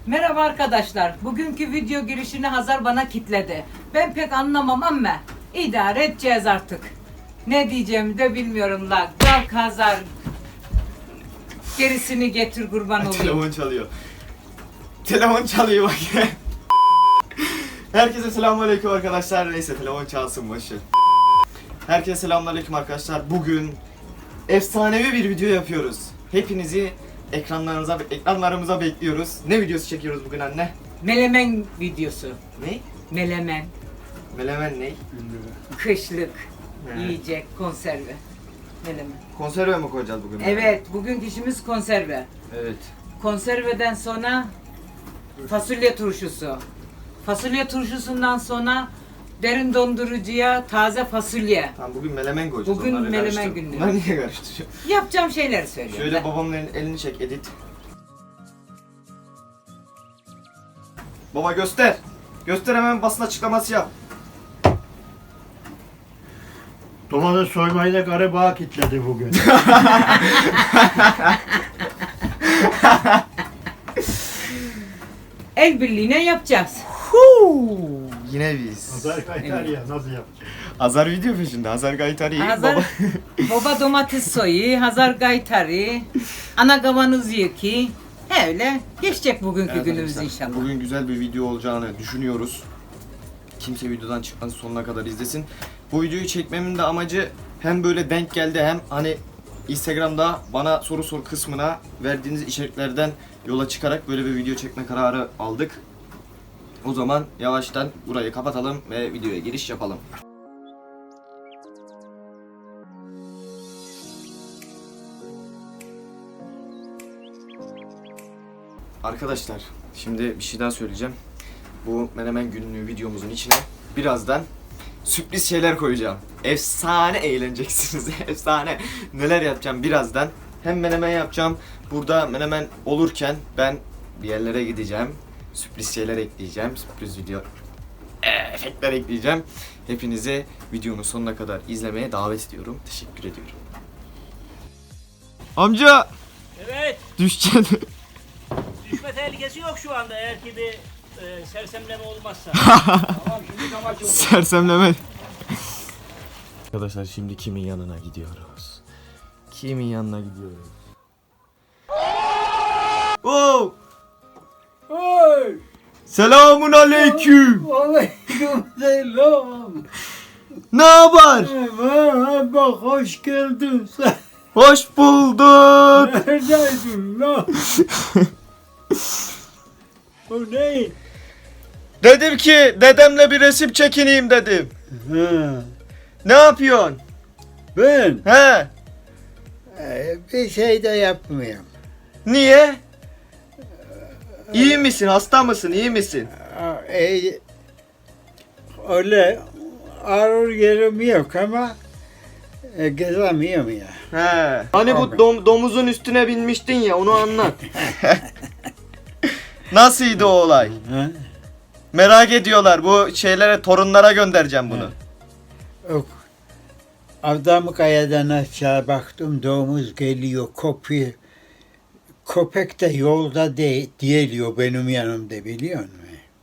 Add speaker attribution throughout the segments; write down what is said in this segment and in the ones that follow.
Speaker 1: Merhaba arkadaşlar. Bugünkü video girişini Hazar bana kitledi. Ben pek anlamam ama idare edeceğiz artık. Ne diyeceğimi de bilmiyorum la. Kalk Hazar. Gerisini getir kurban olayım.
Speaker 2: Telefon çalıyor. Telefon çalıyor bak. Herkese selamünaleyküm arkadaşlar. Neyse telefon çalsın boşver. Herkese selamünaleyküm arkadaşlar. Bugün efsanevi bir video yapıyoruz. Hepinizi ekranlarımıza bekliyoruz. Ne videosu çekiyoruz bugün anne?
Speaker 1: Melemen videosu.
Speaker 2: Ne?
Speaker 1: Melemen.
Speaker 2: Melemen ne?
Speaker 1: Kışlık.
Speaker 2: He.
Speaker 1: Yiyecek konserve. Melemen.
Speaker 2: Konserve mi koyacağız bugün?
Speaker 1: Evet, bugünkü işimiz konserve.
Speaker 2: Evet.
Speaker 1: Konserveden sonra fasulye turşusu. Fasulye turşusundan sonra derin dondurucuya taze fasulye.
Speaker 2: Tamam bugün melemen koyacağız.
Speaker 1: Bugün
Speaker 2: onları
Speaker 1: melemen
Speaker 2: karıştır.
Speaker 1: günü.
Speaker 2: Bunları niye karıştırıyorsun?
Speaker 1: Yapacağım şeyleri söylüyorum.
Speaker 2: Şöyle babamın elini çek edit. Baba göster. Göster hemen basın açıklaması yap.
Speaker 3: Domates soymayı da garibağa kitledi bugün.
Speaker 1: El birliğine yapacağız.
Speaker 2: Yine biz.
Speaker 3: Azar kaytar ya nasıl yapacak?
Speaker 2: Hazar video peşinde. Hazar Gaytari.
Speaker 1: Hazar,
Speaker 2: Baba.
Speaker 1: baba domates soyu, Hazar gaytari, ana kavanoz yıki. Öyle geçecek bugünkü
Speaker 2: Evet
Speaker 1: günümüz
Speaker 2: arkadaşlar,
Speaker 1: inşallah.
Speaker 2: Bugün güzel bir video olacağını düşünüyoruz. Kimse videodan çıkması sonuna kadar izlesin. Bu videoyu çekmemin de amacı hem böyle denk geldi hem hani Instagram'da bana soru sor kısmına verdiğiniz içeriklerden yola çıkarak böyle bir video çekme kararı aldık. O zaman yavaştan burayı kapatalım ve videoya giriş yapalım. Arkadaşlar şimdi bir şey daha söyleyeceğim. Bu menemen günlüğü videomuzun içine birazdan sürpriz şeyler koyacağım. Efsane eğleneceksiniz. Efsane. Neler yapacağım birazdan. Hem menemen yapacağım. Burada menemen olurken ben bir yerlere gideceğim. Sürpriz şeyler ekleyeceğim. Sürpriz video efektler ekleyeceğim. Hepinizi videonun sonuna kadar izlemeye davet ediyorum. Teşekkür ediyorum. Amca
Speaker 4: Evet,
Speaker 2: düşeceksin.
Speaker 4: düşme tehlikesi yok şu anda eğer ki bir sersemleme olmazsa.
Speaker 2: Sersemleme. Arkadaşlar şimdi kimin yanına gidiyoruz? Kimin yanına gidiyoruz? Oh!
Speaker 3: Oy!
Speaker 2: Selamun aleyküm.
Speaker 3: Aleyküm selam.
Speaker 2: Ne haber?
Speaker 3: Merhaba, hoş geldin sen.
Speaker 2: Hoş bulduk.
Speaker 3: Neredeydin lan? O ne?
Speaker 2: Dedim ki dedemle bir resim çekineyim dedim.
Speaker 3: Ha,
Speaker 2: Ne yapıyorsun?
Speaker 3: ben
Speaker 2: He?
Speaker 3: bir şey de yapmıyorum.
Speaker 2: Niye? İyi misin? Hasta mısın? İyi misin?
Speaker 3: Öyle ağır yerim yok ama gezemiyorum ya.
Speaker 2: He. Hani bu domuzun üstüne binmiştin ya onu anlat. Nasılydı o olay?
Speaker 3: Ha?
Speaker 2: Merak ediyorlar. Bu şeylere, torunlara göndereceğim bunu.
Speaker 3: Yok. Adam kayadan aşağı baktım, domuz geliyor, kopuyor. Köpek de yolda diyeliyor benim yanımda, biliyor musun?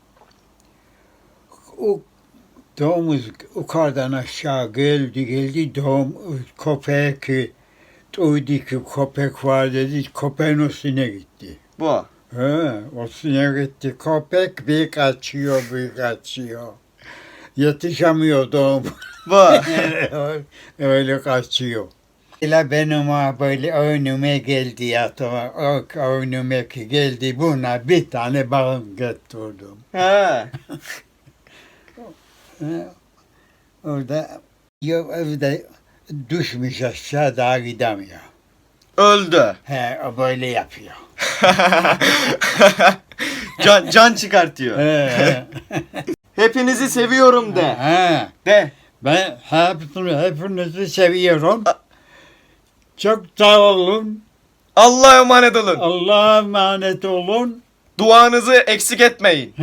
Speaker 3: O domuz yukarıdan aşağı geldi, köpek duydu ki köpek var dedi, köpeğin üstüne gitti.
Speaker 2: Bu.
Speaker 3: He, üstüne gitti, köpek bir kaçıyor. Yetişemiyor domuz.
Speaker 2: Bu.
Speaker 3: Öyle kaçıyor. İla benim böyle önüme geldi yatıma, önüme geldi, buna bir tane bağım getirdim.
Speaker 2: He.
Speaker 3: Orada evde düşmüş aşağı, daha gidemiyor.
Speaker 2: Öldü.
Speaker 3: He, o böyle yapıyor.
Speaker 2: Can çıkartıyor.
Speaker 3: He,
Speaker 2: Hepinizi seviyorum de.
Speaker 3: he.
Speaker 2: De.
Speaker 3: Ben hepinizi seviyorum. Çok sağ olun.
Speaker 2: Allah'a emanet olun.
Speaker 3: Allah'a emanet olun.
Speaker 2: Duanızı eksik etmeyin.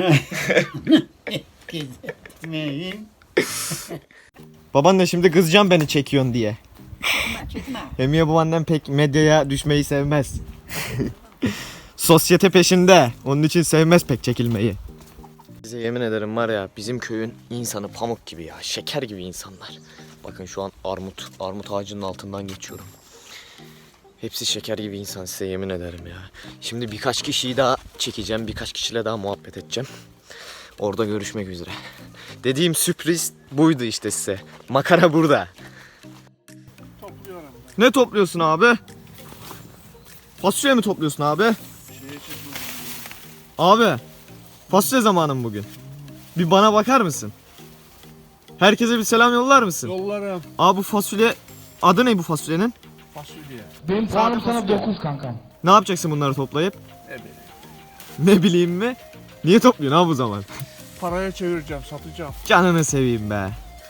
Speaker 3: Gitmeyin.
Speaker 2: Babaanne şimdi kızacağım beni çekiyorsun diye. Emiye babaannem pek medyaya düşmeyi sevmez. Sosyete peşinde. Onun için sevmez pek çekilmeyi. Size yemin ederim var ya, bizim köyün insanı pamuk gibi ya. Şeker gibi insanlar. Bakın şu an armut ağacının altından geçiyorum. Hepsi şeker gibi insan, size yemin ederim ya. Şimdi birkaç kişiyi daha çekeceğim. Birkaç kişiyle daha muhabbet edeceğim. Orada görüşmek üzere. Dediğim sürpriz buydu işte size. Makara burada.
Speaker 3: Topluyorum.
Speaker 2: Ne topluyorsun abi? Fasulye mi topluyorsun abi? Abi, fasulye zamanım bugün. Bir bana bakar mısın? Herkese bir selam yollar mısın?
Speaker 3: Yollarım.
Speaker 2: Abi bu fasulye, adı ne bu fasulyenin?
Speaker 3: Fasulye.
Speaker 5: Benim puanım sana 9 kankam.
Speaker 2: Ne yapacaksın bunları toplayıp? Ne bileyim mi? Niye topluyorsun abi bu zaman?
Speaker 3: Paraya çevireceğim, satacağım.
Speaker 2: Canını seveyim be.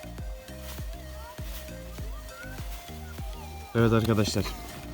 Speaker 2: Evet arkadaşlar.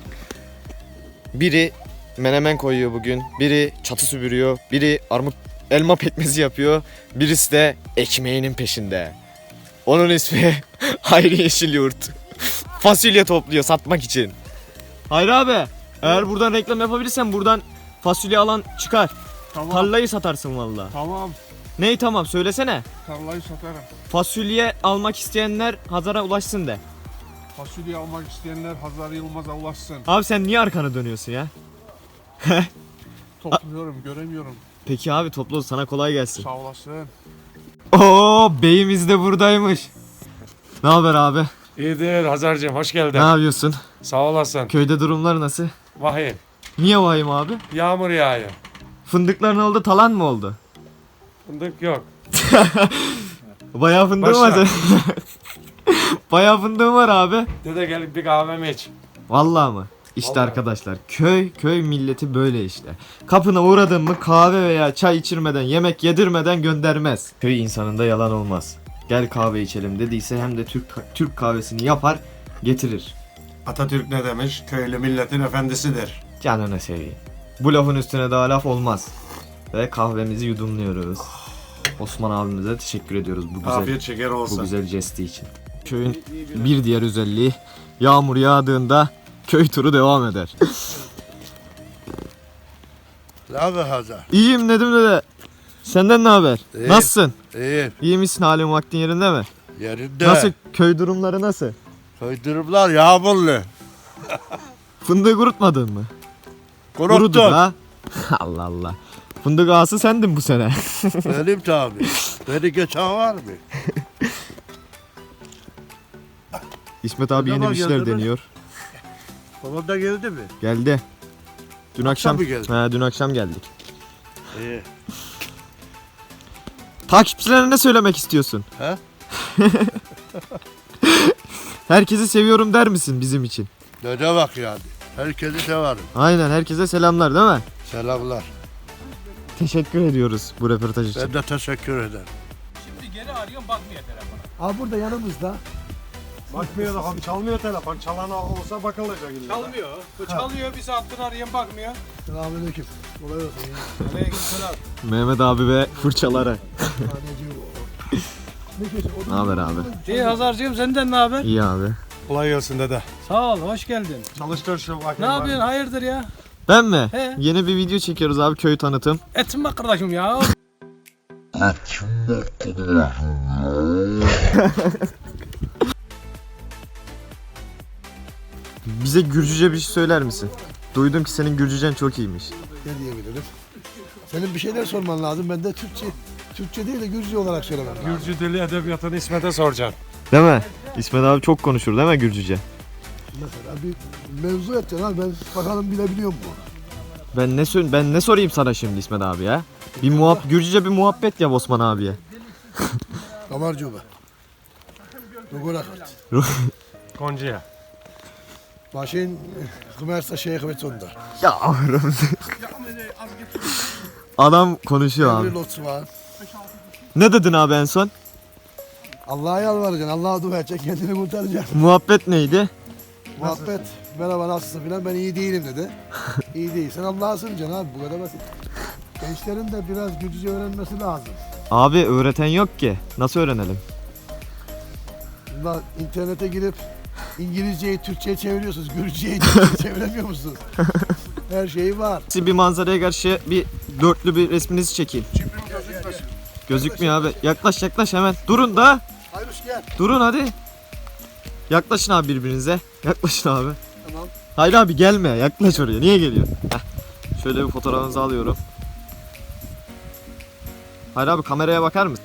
Speaker 2: Biri menemen koyuyor bugün. Biri çatı süpürüyor. Biri elma pekmezi yapıyor. Birisi de ekmeğinin peşinde. Onun ismi Hayri Yeşilyurt. Fasulye topluyor satmak için. Hayri abi, eğer buradan reklam yapabilirsen buradan fasulye alan çıkar.
Speaker 3: Tamam.
Speaker 2: Tarlayı satarsın valla.
Speaker 3: Tamam.
Speaker 2: Ney tamam söylesene.
Speaker 3: Tarlayı satarım.
Speaker 2: Fasulye almak isteyenler Hazar'a ulaşsın de.
Speaker 3: Fasulye almak isteyenler Hazar Yılmaz'a ulaşsın.
Speaker 2: Abi sen niye arkanı dönüyorsun ya?
Speaker 3: Topluyorum, göremiyorum.
Speaker 2: Peki abi toplu, sana kolay gelsin.
Speaker 3: Sağ olasın.
Speaker 2: Oo, beyimiz de buradaymış. Ne haber abi?
Speaker 6: İyidir Hazar'cığım, hoş geldin.
Speaker 2: Ne yapıyorsun?
Speaker 6: Sağ olasın.
Speaker 2: Köyde durumlar nasıl?
Speaker 6: Vahim.
Speaker 2: Niye vahim abi?
Speaker 6: Yağmur yağıyor.
Speaker 2: Fındıklar ne oldu? Talan mı oldu?
Speaker 6: Fındık yok.
Speaker 2: Bayağı fındığım
Speaker 6: Başla.
Speaker 2: var senin. Bayağı fındığım var abi.
Speaker 6: Dede gel bir kahvemi iç.
Speaker 2: Vallahi mı? İşte
Speaker 6: Vallahi.
Speaker 2: arkadaşlar, köy milleti böyle işte. Kapına uğradın mı kahve veya çay içirmeden, yemek yedirmeden göndermez. Köy insanında yalan olmaz. Gel kahve içelim dediyse hem de Türk kahvesini yapar getirir.
Speaker 7: Atatürk ne demiş? Köylü milletin efendisidir.
Speaker 2: Canını seveyim. Bu lafın üstüne daha laf olmaz. Ve kahvemizi yudumluyoruz. Osman abimize teşekkür ediyoruz bu güzel,
Speaker 7: Afiyet şeker
Speaker 2: bu
Speaker 7: olsun.
Speaker 2: güzel jesti için. Köyün bir diğer özelliği, yağmur yağdığında köy turu devam eder.
Speaker 3: Ne haber Hazar?
Speaker 2: İyiyim Nedim dede. Senden ne haber?
Speaker 3: İyi.
Speaker 2: Nasılsın?
Speaker 3: İyi.
Speaker 2: İyi misin? Halin vaktin yerinde mi?
Speaker 3: Yerinde.
Speaker 2: Nasıl? Köy durumları nasıl?
Speaker 3: Köy durumlar yağmurlu.
Speaker 2: Fındığı kurutmadın mı? Kurudu
Speaker 3: Kuruttum.
Speaker 2: ha. Allah Allah. Fındık ağası sendin bu sene.
Speaker 3: Benim tabi. Beni geçen var mı?
Speaker 2: İsmet abi yeni
Speaker 3: Tamam,
Speaker 2: bir şeyler
Speaker 3: geldi mi?
Speaker 2: deniyor.
Speaker 3: Babam da geldi mi?
Speaker 2: Geldi. Dün akşam
Speaker 3: mı geldi?
Speaker 2: dün akşam geldik.
Speaker 3: İyi.
Speaker 2: Takipçilerine ne söylemek istiyorsun?
Speaker 3: He?
Speaker 2: Herkesi seviyorum der misin bizim için?
Speaker 3: Ne demek yani? Herkesi severim.
Speaker 2: Aynen, herkese selamlar değil mi?
Speaker 3: Selamlar.
Speaker 2: Teşekkür ediyoruz bu röportaj için.
Speaker 3: Ben de teşekkür ederim.
Speaker 8: Abi burada yanımızda.
Speaker 7: Bakmıyor da abi, çalmıyor telefon. Çalan olsa bakılacak illa.
Speaker 6: Çalmıyor. Bu çalıyor, bir saattir arayan bakmıyor.
Speaker 8: Selamünaleyküm. Kolay olsun.
Speaker 6: Aleykümselam.
Speaker 2: Mehmet abi ve fırçaları.
Speaker 8: Ne diyorsun?
Speaker 2: Ne haber abi?
Speaker 6: İyi Hazar'cığım, senden ne haber?
Speaker 2: İyi abi.
Speaker 7: Kolay gelsin dede.
Speaker 6: Sağ ol, hoş geldin.
Speaker 7: Çalıştır şu bakayım.
Speaker 6: Ne yapıyorsun, hayırdır ya?
Speaker 2: Ben mi?
Speaker 6: He.
Speaker 2: Yeni bir video çekiyoruz abi, köy tanıtım.
Speaker 6: Etim bak kardeşim ya.
Speaker 2: Bize Gürcüce bir şey söyler misin? Duydum ki senin Gürcücen çok iyiymiş.
Speaker 8: Ne diyebilirim? Senin bir şeyler sorman lazım. Ben de Türkçe değil de Gürcü olarak söylemem lazım.
Speaker 6: Gürcü dili edebiyatını İsmet'e soracaksın.
Speaker 2: Değil mi? İsmet abi çok konuşur değil mi Gürcüce?
Speaker 8: Mesela bir mevzu edeceksin abi. Ben bakalım bilebiliyor mu?
Speaker 2: Ben ne sorayım sana şimdi İsmet abi ya? Gürcüce bir muhabbet yap Osman abiye.
Speaker 8: Kamarcı be. Rugorakat.
Speaker 6: Koncuya.
Speaker 8: Başın Kımersa Şeyh ve Tundar.
Speaker 2: Yavrum. Adam konuşuyor
Speaker 8: Bir
Speaker 2: abi.
Speaker 8: lotsu var.
Speaker 2: Ne dedin abi en son?
Speaker 8: Allah'a yalvaracaksın. Allah'a dua edeceksin. Kendini kurtaracaksın.
Speaker 2: Muhabbet neydi?
Speaker 8: Muhabbet. Merhaba nasılsın filan. Ben iyi değilim dedi. İyi değilsen Allah'a sığınacaksın abi. Bu kadar basit. Gençlerin de biraz Gürcüce öğrenmesi lazım.
Speaker 2: Abi öğreten yok ki. Nasıl öğrenelim?
Speaker 8: Bunlar internete girip İngilizceyi Türkçe'ye çeviriyorsunuz. Gürcüceyi Türkçe'ye çeviremiyor musunuz? Her şeyi var.
Speaker 2: Siz bir manzaraya karşı bir dörtlü bir resminizi çekeyim. Gözükmüyor abi. Yaklaş hemen. Durun da.
Speaker 8: Hayruş gel.
Speaker 2: Durun hadi. Yaklaşın abi birbirinize. Yaklaşın abi.
Speaker 8: Tamam.
Speaker 2: Hayır abi gelme. Yaklaş oraya. Niye geliyorsun? Heh. Şöyle bir fotoğrafınızı alıyorum. Hayır abi kameraya bakar mısın?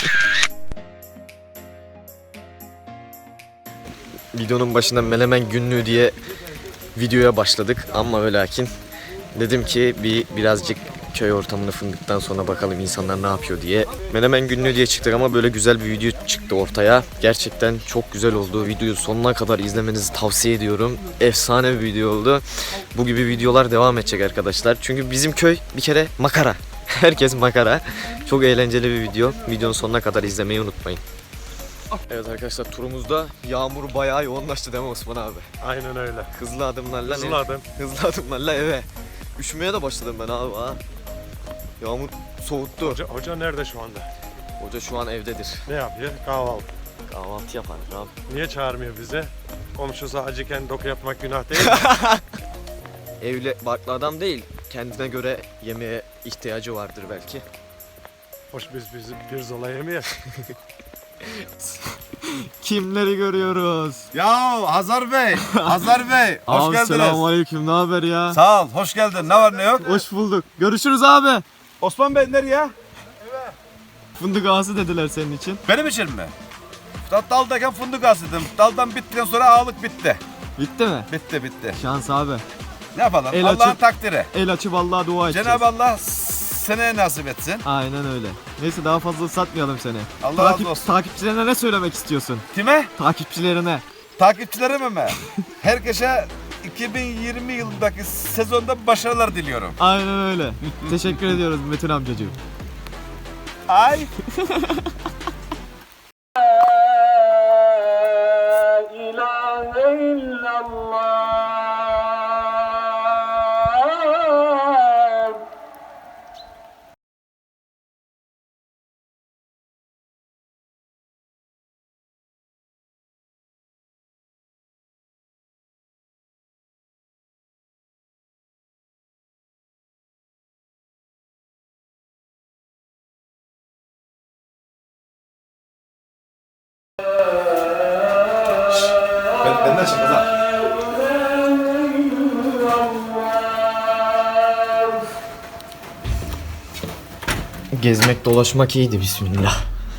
Speaker 2: Videonun başında Menemen Günlüğü diye videoya başladık ama ve lakin dedim ki birazcık köy ortamını fındıktan sonra bakalım insanlar ne yapıyor diye. Menemen Günlüğü diye çıktık ama böyle güzel bir video çıktı ortaya. Gerçekten çok güzel oldu. Videoyu sonuna kadar izlemenizi tavsiye ediyorum. Efsane bir video oldu. Bu gibi videolar devam edecek arkadaşlar. Çünkü bizim köy bir kere makara. Herkes makara. Çok eğlenceli bir video. Videonun sonuna kadar izlemeyi unutmayın. Evet arkadaşlar turumuzda yağmur bayağı yoğunlaştı değil mi Osman abi?
Speaker 6: Aynen öyle.
Speaker 2: Hızlı adımlarla
Speaker 6: Hızlı adım.
Speaker 2: eve. Üşümeye de başladım ben abi ha. Yağmur soğuttu.
Speaker 6: Hoca nerede şu anda?
Speaker 2: Hoca şu an evdedir.
Speaker 6: Ne yapıyor? Kahvaltı.
Speaker 2: Kahvaltı yapar abi.
Speaker 6: Niye çağırmıyor bize? Komşusu acıken doku yapmak günah değil mi?
Speaker 2: Evli barklı adam değil. Kendine göre yemeğe ihtiyacı vardır belki.
Speaker 6: Hoş biz pirzola yemeyelim.
Speaker 2: Kimleri görüyoruz?
Speaker 9: Ya Hazar Bey, Hazar Bey, hoş geldiniz.
Speaker 2: Selamünaleyküm. Ne haber ya?
Speaker 9: Sağ ol, hoş geldin. Ne var ne yok?
Speaker 2: Hoş bulduk. Görüşürüz abi.
Speaker 9: Osman Bey nereye?
Speaker 2: Fındık ağası dediler senin için.
Speaker 9: Benim için mi? Daldayken fındık asıdım. Daldan bittikten sonra ağalık bitti.
Speaker 2: Bitti mi?
Speaker 9: Bitti.
Speaker 2: Şans abi.
Speaker 9: Ne yapalım?
Speaker 2: El
Speaker 9: Allah'ın
Speaker 2: açıp-
Speaker 9: takdiri.
Speaker 2: El açıp Allah'a dua edeceğiz.
Speaker 9: Cenab-ı Allah seneye nasip etsin.
Speaker 2: Aynen öyle. Neyse daha fazla satmayalım seni.
Speaker 9: Allah razı olsun.
Speaker 2: Takipçilerine ne söylemek istiyorsun?
Speaker 9: Kime?
Speaker 2: Takipçilerine.
Speaker 9: Takipçilerime mi? Herkese 2020 yılındaki sezonda başarılar diliyorum.
Speaker 2: Aynen öyle. Teşekkür ediyoruz Metin amcacığım.
Speaker 9: Ay. Benden çık Hazar.
Speaker 2: Gezmek dolaşmak iyiydi bismillah.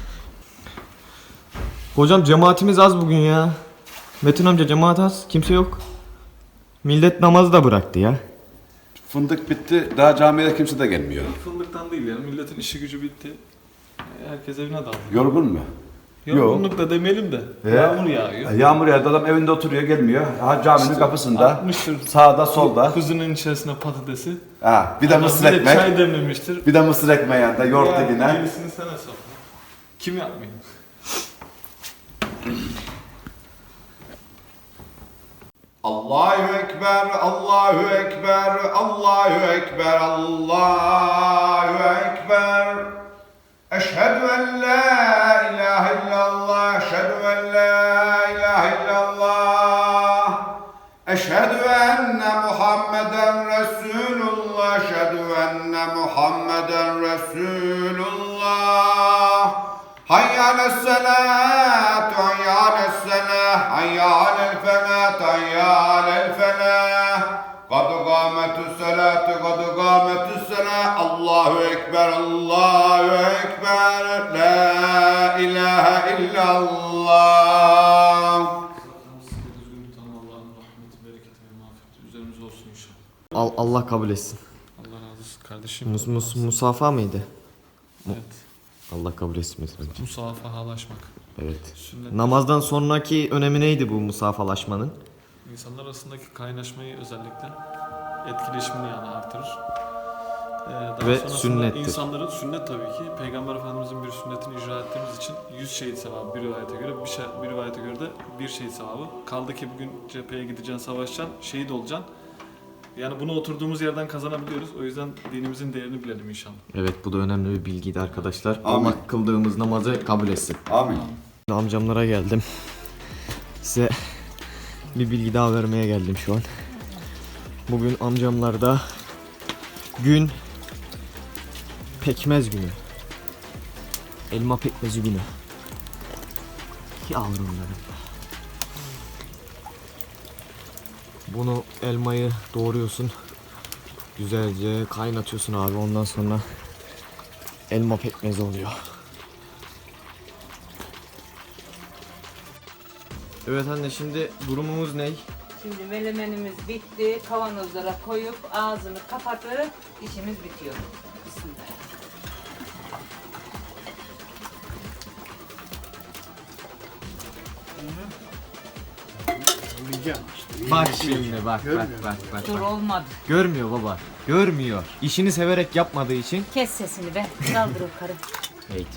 Speaker 2: Hocam cemaatimiz az bugün ya. Metin amca cemaat az. Kimse yok. Millet namazı da bıraktı ya.
Speaker 9: Fındık bitti. Daha camiye kimse de gelmiyor.
Speaker 10: Fındıktan değil yani milletin işi gücü bitti. Herkes evine daldı.
Speaker 9: Yorgun mu?
Speaker 10: Yorgunluk da demeyelim de yağmur yağıyor.
Speaker 9: Yağmur yağdı, adam evinde oturuyor, gelmiyor. Ha, caminin kapısında.
Speaker 10: Atmıştır
Speaker 9: Sağda solda.
Speaker 10: kuzunun içerisine patatesi.
Speaker 9: Ha, bir de mısır
Speaker 10: Bir de
Speaker 9: ekmek.
Speaker 10: çay demlemiştir.
Speaker 9: Bir de mısır ekmeği yanında, yoğurt
Speaker 10: Ya,
Speaker 9: yine.
Speaker 10: gerisini sen hesapla. Kim yapmıyor?
Speaker 9: Allahu Ekber, Allahu Ekber, Allahu Ekber, Allahu Ekber. Eşhedü en la ilahe illallah, eşhedü en la ilahe illallah. Eşhedü enne Muhammeden Resulullah, eşhedü enne Muhammeden Resulullah. Hayy ale's-selat, hayy ale's-selah, hayy alel-felah, hayy alel-felah. Kad kâmetü's-selâtu, kad kâmetü's-selâh. Allahu Ekber, Allahu Ekber. La ilahe illallah.
Speaker 10: Allah'ın rahmeti, bereketi ve mağfireti üzerimize olsun inşallah.
Speaker 2: Allah kabul etsin.
Speaker 10: Allah razı olsun kardeşim.
Speaker 2: Musafa mıydı?
Speaker 10: Evet.
Speaker 2: Allah kabul etsin Metin amca.
Speaker 10: Musafahalaşmak.
Speaker 2: Evet.
Speaker 10: Sünnet.
Speaker 2: Namazdan sonraki önemi neydi bu musafalaşmanın?
Speaker 10: İnsanlar arasındaki kaynaşmayı özellikle etkileşimini yani artırır. Daha
Speaker 2: Ve
Speaker 10: sonrasında
Speaker 2: sünnettir.
Speaker 10: İnsanların sünnet tabii ki Peygamber Efendimizin bir sünnetini icra ettiğimiz için 100 şehit sevabı bir rivayete göre, bir rivayete göre de bir şehit sevabı. Kaldı ki bugün cepheye gideceksin, savaşacaksın, şehit olacaksın. Yani bunu oturduğumuz yerden kazanabiliyoruz. O yüzden dinimizin değerini bilelim inşallah.
Speaker 2: Evet bu da önemli bir bilgiydi arkadaşlar.
Speaker 9: Amin.
Speaker 2: Allah kıldığımız namazı kabul etsin.
Speaker 9: Amin.
Speaker 2: Amcamlara geldim. Size bir bilgi daha vermeye geldim şu an. Bugün amcamlarda gün pekmez günü. Elma pekmezi günü. Yavrum benim. Bunu elmayı doğruyorsun. Güzelce kaynatıyorsun abi. Ondan sonra elma pekmezi oluyor. Evet anne, şimdi durumumuz ne?
Speaker 1: Şimdi melemenimiz bitti. Kavanozlara koyup ağzını kapatıp işimiz bitiyor. Bismillah.
Speaker 3: Yiyeceğim işte.
Speaker 2: Bak şimdi bak.
Speaker 1: Dur olmadı.
Speaker 2: Görmüyor baba. Görmüyor. İşini severek yapmadığı için.
Speaker 1: Kes sesini be. Kaldır o karı.
Speaker 2: Hate.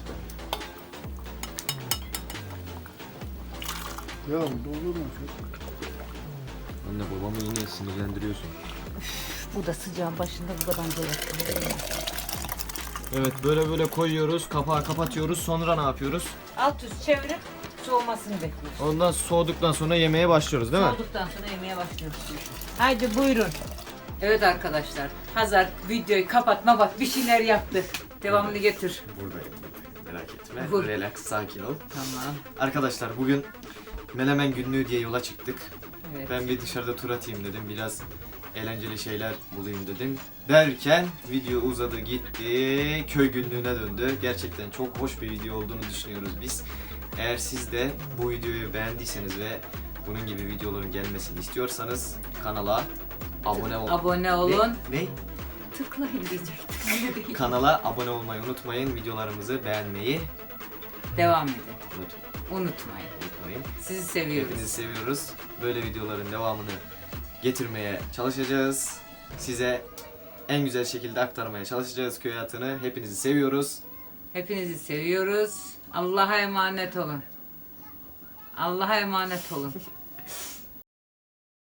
Speaker 3: Ya olur mu?
Speaker 2: Anne, babamı yine sinirlendiriyorsun.
Speaker 1: Bu da sıcağın başında bu kadar böyle.
Speaker 2: Evet, böyle koyuyoruz. Kapağı kapatıyoruz. Sonra ne yapıyoruz?
Speaker 1: Alt üst çevirip soğumasını bekliyoruz.
Speaker 2: Ondan soğuduktan sonra yemeye başlıyoruz değil mi?
Speaker 1: Soğuduktan sonra yemeye başlıyoruz. Haydi buyurun. Evet arkadaşlar. Hazar videoyu kapatma, bak bir şeyler yaptık. Devamını getir.
Speaker 2: Buradayım. Merak etme.
Speaker 1: Bur-
Speaker 2: Relax, sakin ol.
Speaker 1: Tamam.
Speaker 2: Arkadaşlar bugün Menemen günlüğü diye yola çıktık.
Speaker 1: Evet.
Speaker 2: Ben bir dışarıda tur atayım dedim. Biraz eğlenceli şeyler bulayım dedim. Derken video uzadı gitti. Köy günlüğüne döndü. Gerçekten çok hoş bir video olduğunu düşünüyoruz biz. Eğer siz de bu videoyu beğendiyseniz ve bunun gibi videoların gelmesini istiyorsanız kanala abone olun.
Speaker 1: Abone olun.
Speaker 2: Ne?
Speaker 1: Tıklayın diyecektim.
Speaker 2: Kanala abone olmayı unutmayın. Videolarımızı beğenmeyi
Speaker 1: Devam edin.
Speaker 2: unutmayın.
Speaker 1: Unutmayın. Sizi seviyoruz.
Speaker 2: Hepinizi seviyoruz. Böyle videoların devamını getirmeye çalışacağız. Size en güzel şekilde aktarmaya çalışacağız köy hayatını. Hepinizi seviyoruz.
Speaker 1: Hepinizi seviyoruz. Allah'a emanet olun. Allah'a emanet olun.